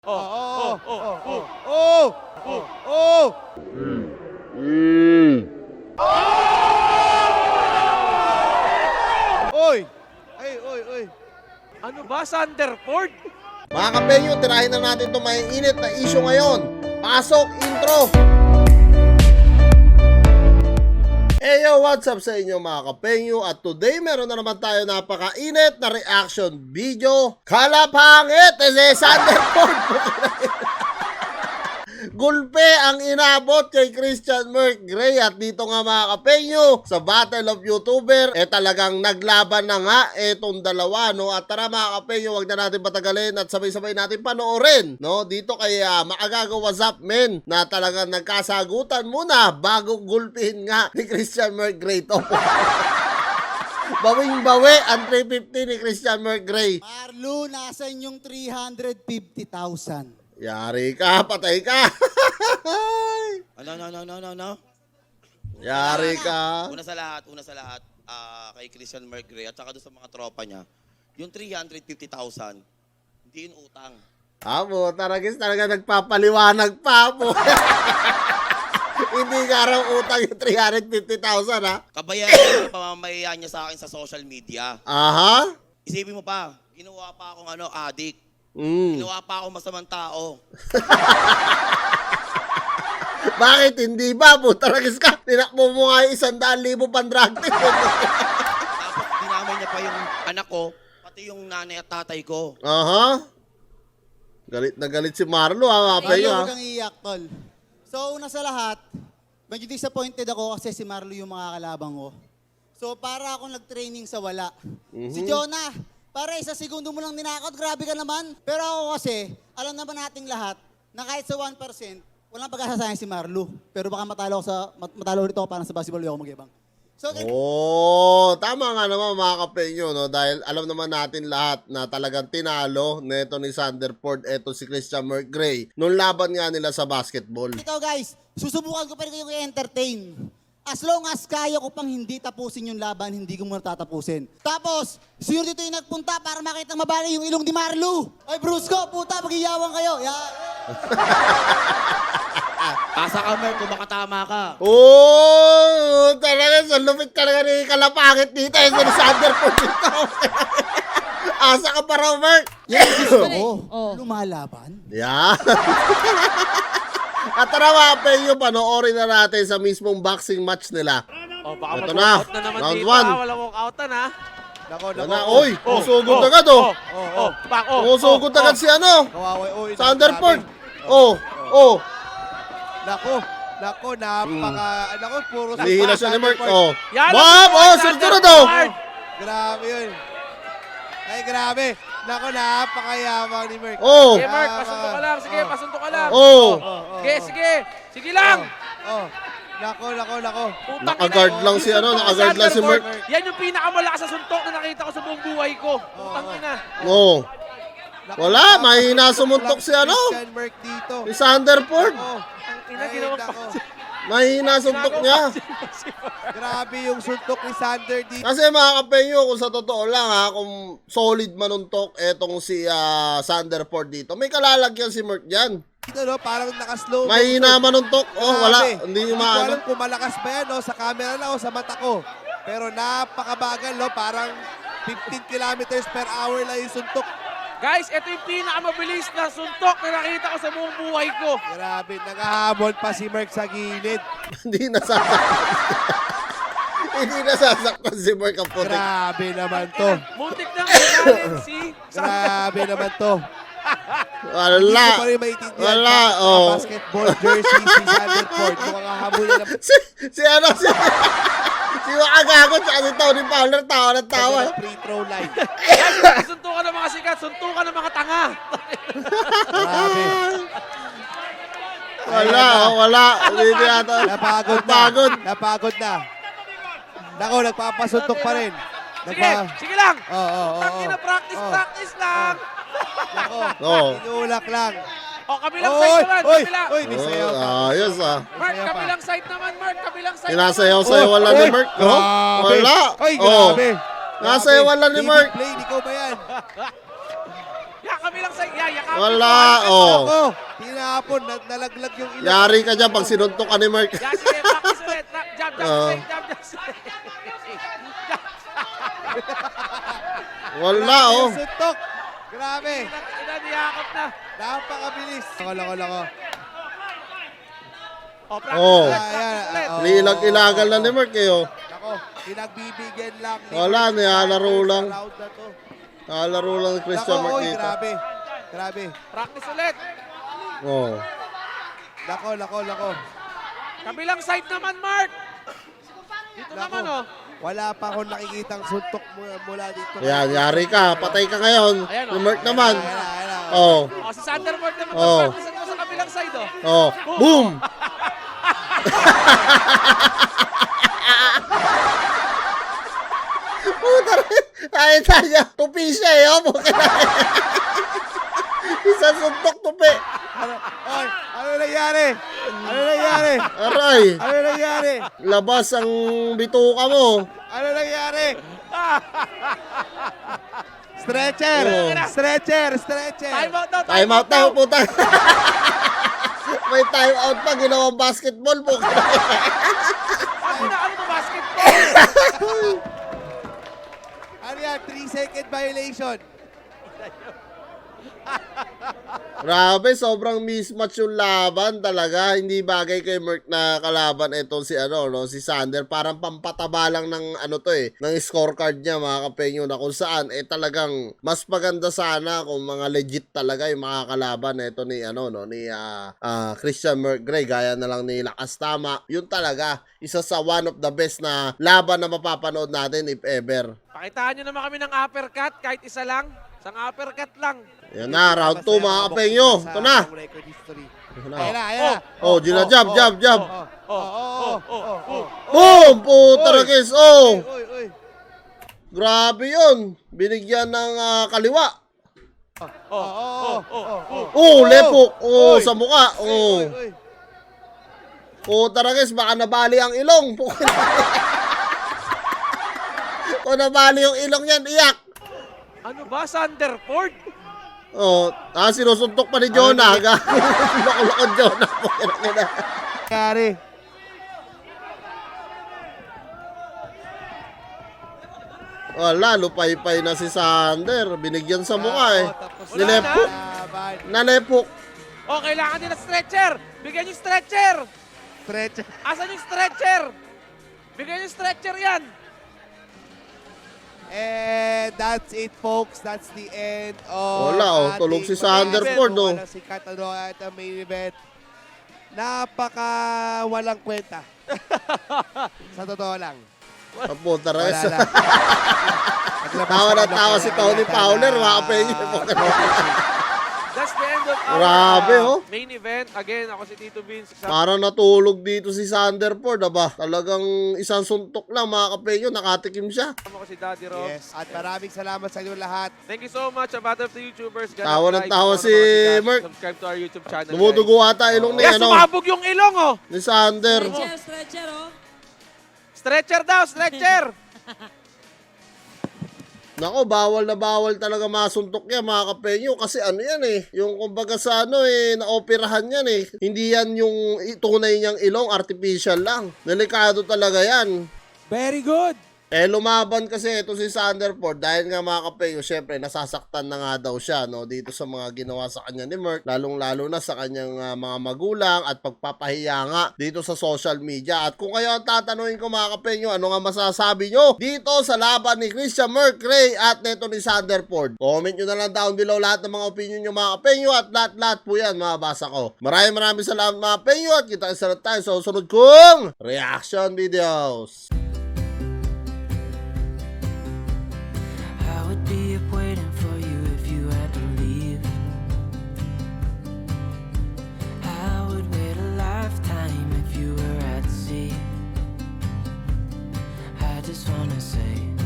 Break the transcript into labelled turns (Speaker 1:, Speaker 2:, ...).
Speaker 1: Oy! Oy!
Speaker 2: Ano ba, Sanderford?
Speaker 3: Mga kapenyo, tirahin na natin itong may init na issue ngayon. Pasok, intro! Hey yo, what's up sa inyo mga kapenyo? At today, meron na naman tayo napaka-init na reaction video. Kalapangit! Ese Sanderford! Gulpe ang inabot kay Christian Merc-Gray. At dito nga mga kapenyo, sa Battle of YouTuber, talagang naglaban na nga etong dalawa, no? At tara mga kapenyo, wag na natin patagalin at sabay-sabay natin panoorin, no? Dito kay Maagaga What's Up Men, na talagang nagkasagutan muna bago gulpihin nga ni Christian Merc-Gray to. Bawing-bawi ang 350 ni Christian Merc-Gray.
Speaker 4: Marlo, nasa inyong 350,000.
Speaker 3: Yari ka, patay ka.
Speaker 1: No.
Speaker 3: Yari ka.
Speaker 1: Una sa lahat, kay Christian Merc-Gray at saka doon sa mga tropa niya, yung 350,000, hindi yun utang.
Speaker 3: Amo, talaga nagpapaliwanag pa po. Hindi nga raw utang yung 350,000 ha.
Speaker 1: Kabayaran yung pamamayaan niya sa akin sa social media.
Speaker 3: Aha.
Speaker 1: Isipin mo pa, ginawa pa akong addict.
Speaker 3: Mm.
Speaker 1: Ginawa pa akong masamang tao.
Speaker 3: Bakit hindi ba? Putaragis ka. Tinakbo mo nga yung 100,000 pan-drug test.
Speaker 1: Tapos dinamay niya pa yung anak ko, pati yung nanay at tatay ko.
Speaker 3: Aha. Galit na galit si Marlo ha.
Speaker 4: Marlo,
Speaker 3: Ha?
Speaker 4: huwag kang iiyak, tol. So, una sa lahat, medyo disappointed ako kasi si Marlo yung mga kalabang ko. So, para akong nag-training sa wala. Si Jonah, para isang segundo mo lang ninakot, grabe ka naman. Pero ako kasi, alam naman nating lahat, na kahit sa 1%, walang pag-asa si Marlo. Pero baka matalo ulit ako parang sa basketball, yung ako mag-ibang. So,
Speaker 3: Oh, tama nga naman mga kapenyo, no? Dahil alam naman natin lahat na talagang tinalo neto ni Sanderford, eto si Christian Merc-Gray, nung laban nga nila sa basketball.
Speaker 4: ito guys, susubukan ko pa rin kayong i-entertain. As long as kaya ko pang hindi tapusin yung laban, hindi ko muna tatapusin. Tapos, sino dito yung nagpunta para makita mabali yung ilong ni Marlo? Ay, Brusco, puta, mag-iyawang kayo.
Speaker 1: Pasa ka, Mer, kung makatama ka.
Speaker 3: Oh, talaga sa lupit talaga ni Kalapangit dito, eh, si Sanderford dito. Asa ka pa raw, Merc?
Speaker 4: Gusto ko, lumalaban.
Speaker 3: Yeah. At tara mga penyo, panoorin na natin sa mismong boxing match nila.
Speaker 2: Oh, baka
Speaker 3: Ito na,
Speaker 2: mag-walkout na naman
Speaker 3: round
Speaker 2: dito.
Speaker 3: one.
Speaker 2: Walang walkoutan ha.
Speaker 3: Yan na, oy, usugod agad oh. Usugod agad si ano, Sanderford. Oh.
Speaker 5: Nako, napaka, puro
Speaker 3: Lihila siya ni Merc. Oh.
Speaker 2: Yan,
Speaker 3: Bob, sunod oh.
Speaker 5: Grabe yun. Ay, grabe. Nako, napakayamang ni Merc.
Speaker 3: Oh.
Speaker 2: Sige, Mark, pasunto ka lang. Sige, pasunto ka lang.
Speaker 3: Oh.
Speaker 2: Sige. Sige lang.
Speaker 5: Nako.
Speaker 2: Putang
Speaker 3: Naka-guard
Speaker 2: ina.
Speaker 3: lang si ano, naka-guard lang si Merc.
Speaker 2: Yan yung pinakamalakas na suntok na nakita ko sa buong buhay ko. Putang ina.
Speaker 3: Oh. Wala, mahina sumuntok si ano,
Speaker 5: Christian Merc dito.
Speaker 3: si Sanderford.
Speaker 2: Ang ina, ginawa pa.
Speaker 3: Mahina suntok niya.
Speaker 5: Grabe yung suntok ni Sander dito.
Speaker 3: Kasi mga kapenyo, kung sa totoo lang ha, kung solid manuntok etong si Sanderford dito, may kalalagyan si Merc dyan.
Speaker 5: Dito, no, parang nakaslow.
Speaker 3: Mahina manuntok. Oh, wala. Hindi
Speaker 5: ko
Speaker 3: maano.
Speaker 5: alam kung malakas ba yan, no, sa camera lang o sa mata ko. Pero napakabagal, no, parang 15 kilometers per hour lang yung suntok.
Speaker 2: Guys, ito yung pinakamabilis na suntok na nakita ko sa buong buhay ko.
Speaker 5: Grabe, nakahabol pa si Merc sa gilid.
Speaker 3: Hindi nasasaktan. Hindi nasasaktan si Merc ang putik.
Speaker 5: Grabe naman to.
Speaker 2: Muntik na ngayon si
Speaker 5: Grabe naman to.
Speaker 3: Wala.
Speaker 5: Hindi ko pa rin maintindihan
Speaker 3: Wala,
Speaker 5: pa,
Speaker 3: oh.
Speaker 5: basketball jersey si Sanderford. Mukhang hahabol niya naman.
Speaker 3: Si Maagago tsaka si Tony Fowler, tawa ng tawa.
Speaker 5: Sa free throw line.
Speaker 2: Guys, suntukan ng mga sikat, suntukan ng mga tanga.
Speaker 5: Grabe.
Speaker 3: Wala. Hindi yata.
Speaker 5: Napagod na. Nako, nagpapasuntok pa rin.
Speaker 2: Sige lang.
Speaker 5: Oo.
Speaker 2: Practice lang.
Speaker 5: Nako,
Speaker 3: Oo.
Speaker 5: inulak lang.
Speaker 2: Kabilang side naman.
Speaker 5: Oy, may sayaw pa.
Speaker 3: Ayos
Speaker 2: Mark, kabilang side naman, Mark. Kabilang side
Speaker 3: Sinasayaw wala ni Merc. Wala.
Speaker 5: Ay, grabe.
Speaker 3: Nasayaw wala ni Merc.
Speaker 5: Play, ikaw ba yan?
Speaker 2: kabilang side.
Speaker 3: Wala, oh.
Speaker 5: Ako, tinapon, nalaglag yung ilong.
Speaker 3: Yari ka dyan pag sinuntok ka ni Mark.
Speaker 2: Yan, sige, practice ulit. Jab,
Speaker 3: Oo.
Speaker 2: jab, straight.
Speaker 3: Wala, oh.
Speaker 5: Yung suntok. Grabe.
Speaker 2: Inaniyakap na.
Speaker 5: Napakabilis. Lako.
Speaker 2: Oh, practice
Speaker 3: Oh.
Speaker 2: ulit, practice ulit.
Speaker 5: Oh.
Speaker 3: Lilag-ilagal na ni Mark, eh, oh.
Speaker 5: Ako, pinagbibigyan lang. ni
Speaker 3: Wala,
Speaker 5: Mark
Speaker 3: nilalaro
Speaker 5: Sanders
Speaker 3: lang.
Speaker 5: sa round na to.
Speaker 3: Nakalaro lang ni Christian
Speaker 5: Nako,
Speaker 3: Mark
Speaker 5: oy,
Speaker 3: dito.
Speaker 5: grabe.
Speaker 2: Practice ulit.
Speaker 3: Oh.
Speaker 5: Lako.
Speaker 2: Kabilang side naman, Mark. Dito
Speaker 5: Nako.
Speaker 2: naman, oh.
Speaker 5: Wala pa akong nakikitang suntok mula dito.
Speaker 3: Yan, yari ka. Patay ka ngayon.
Speaker 2: Ayan, oh.
Speaker 3: Si Mark naman.
Speaker 5: Ayan.
Speaker 3: Oh.
Speaker 2: Oh, si Sanderford naman.
Speaker 3: Oh.
Speaker 2: Practice mo sa kabilang side, oh.
Speaker 3: Oh. Boom! Puta rin. Ay, tayo. Tupi siya, eh. Oh. Isang suntok tupi.
Speaker 5: Oy, ano nangyari?
Speaker 3: Aray.
Speaker 5: Ano nangyari?
Speaker 3: Labas ang bituka mo.
Speaker 5: Ano nangyari? Stretcher!
Speaker 3: Oh.
Speaker 5: Stretcher!
Speaker 2: Time out daw,
Speaker 3: Time out na, puta. May time out pa. Ginawang basketball po.
Speaker 2: Ano to, basketball?
Speaker 5: Ano yan? 3-second violation.
Speaker 3: Grabe, sobrang mismatch yung laban talaga. Hindi bagay kay Merck na kalaban itong si si Sander. Parang pampataba lang ng ng scorecard niya, mga kapenyo, na kung saan talagang mas maganda sana kung mga legit talaga yung mga kalaban ito ni Christian Merck Gray, gaya na lang ni Lakas Tama. Yun talaga isa sa one of the best na laban na mapapanood natin if ever.
Speaker 2: Pakitaan nyo naman kami ng uppercut, kahit isa lang. Isang uppercut lang.
Speaker 3: Yan na, round 2 mga kapenyo. Ito na.
Speaker 5: Record history.
Speaker 3: Ito na.
Speaker 5: Ayan na.
Speaker 3: Oh, jab.
Speaker 5: Oh.
Speaker 3: Boom! Puta na guys. Oh!
Speaker 5: Oy.
Speaker 3: Grabe yun. Binigyan ng kaliwa.
Speaker 5: Oh.
Speaker 3: Lepok. Oh,
Speaker 5: Oy.
Speaker 3: sa mukha. Oh.
Speaker 5: Oy.
Speaker 3: Puta na guys, baka nabali ang ilong. Kung nabali yung ilong yan, iyak.
Speaker 2: Ano ba, Sanderford?
Speaker 3: Oh, sinusuntok pa ni Jonah. Loko-loko Jonah.
Speaker 5: Nangyari.
Speaker 3: Wala, lupay-pay na si Sander. Binigyan sa mukha eh.
Speaker 5: Tapos
Speaker 3: Nilepok.
Speaker 5: laban.
Speaker 3: Nalepok.
Speaker 2: Oh, kailangan din ng stretcher. Bigyan yung stretcher.
Speaker 5: Stretcher.
Speaker 2: Asan yung stretcher? Bigyan yung stretcher yan.
Speaker 5: And that's it, folks. That's the end of
Speaker 3: Wala, tulog si Sanderford, oh.
Speaker 5: Walang sikat, at ang main event. Napaka walang kwenta. Sa totoo lang.
Speaker 3: Puta na
Speaker 5: Wala
Speaker 3: guys.
Speaker 5: lang.
Speaker 3: Tawa na tawa si Tony Fowler, mga kapenyo.
Speaker 2: That's the end of our
Speaker 3: Grabe, oh.
Speaker 2: main event. Again, ako si Tito Vince.
Speaker 3: Parang natulog dito si Sanderford, aba. Talagang isang suntok lang, mga kapenyo. Nakatikim siya.
Speaker 2: Kasama ko si Daddy Rob.
Speaker 5: Yes, at maraming salamat sa inyo lahat.
Speaker 2: Thank you so much, Battle of the YouTubers. God
Speaker 3: Tawa
Speaker 2: bless.
Speaker 3: ng tawa
Speaker 2: Gusto
Speaker 3: si
Speaker 2: ko naman
Speaker 3: Mark.
Speaker 2: Subscribe to our YouTube channel.
Speaker 3: Dumudugo ata ilong ni,
Speaker 2: Yes, sumabog yung ilong, oh.
Speaker 3: ni Sander.
Speaker 6: Stretcher, oh.
Speaker 2: Stretcher daw, stretcher.
Speaker 3: Nako, bawal na bawal talaga masuntok yan, mga kapenyo. Kasi ano yan eh, yung kumbaga sa naoperahan yan eh. Hindi yan yung tunay niyang ilong, artificial lang. Delikado talaga yan.
Speaker 2: Very good.
Speaker 3: Lumaban kasi ito si Sanderford dahil nga, mga kapenyo, syempre nasasaktan na nga daw siya dito sa mga ginawa sa kanya ni Merck, lalong-lalo na sa kanyang mga magulang at pagpapahiya nga dito sa social media. At kung kayo ang tatanungin ko, mga kapenyo, ano nga masasabi nyo dito sa laban ni Christian Merck Gray at neto ni Sanderford? Comment nyo na lang down below lahat ng mga opinion nyo, mga kapenyo, at lahat po yan mababasa ko. Maraming salamat, mga kapenyo, at kita tayo sa susunod kong reaction videos.
Speaker 7: I would be up waiting for you if you had to leave. I would wait a lifetime if you were at sea. I just wanna say